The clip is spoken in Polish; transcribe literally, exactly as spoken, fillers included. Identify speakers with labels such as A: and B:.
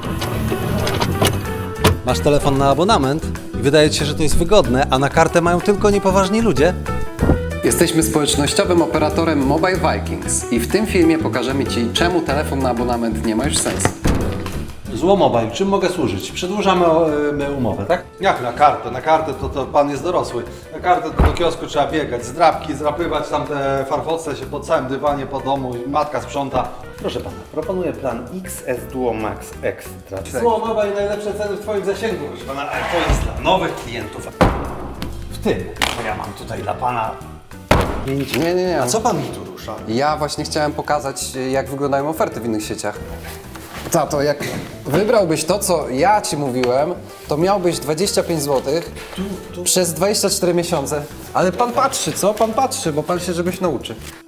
A: Masz telefon na abonament i wydaje ci się, że to jest wygodne, a na kartę mają tylko niepoważni ludzie?
B: Jesteśmy społecznościowym operatorem Mobile Vikings i w tym filmie pokażemy Ci, czemu telefon na abonament nie ma już sensu.
A: Złomobile, czym mogę służyć? Przedłużamy e, umowę, tak? Jak na kartę? Na kartę to, to pan jest dorosły. Na kartę to do kiosku trzeba biegać, zdrabki, zdrapywać tam te farfoce się po całym dywanie, po domu, matka sprząta. Proszę pana, proponuję plan
C: X S Duo Max Extra.
A: Złomobile, najlepsze ceny w twoim zasięgu, proszę pana, ale to jest dla nowych klientów. W tym, że ja mam tutaj dla pana...
B: Nie, nie, nie.
A: A co pan mi tu rusza?
B: Ja właśnie chciałem pokazać, jak wyglądają oferty w innych sieciach. Tato, jak wybrałbyś to, co ja Ci mówiłem, to miałbyś dwadzieścia pięć złotych przez dwadzieścia cztery miesiące. Ale Pan patrzy, co? Pan patrzy, bo Pan się czegoś nauczy.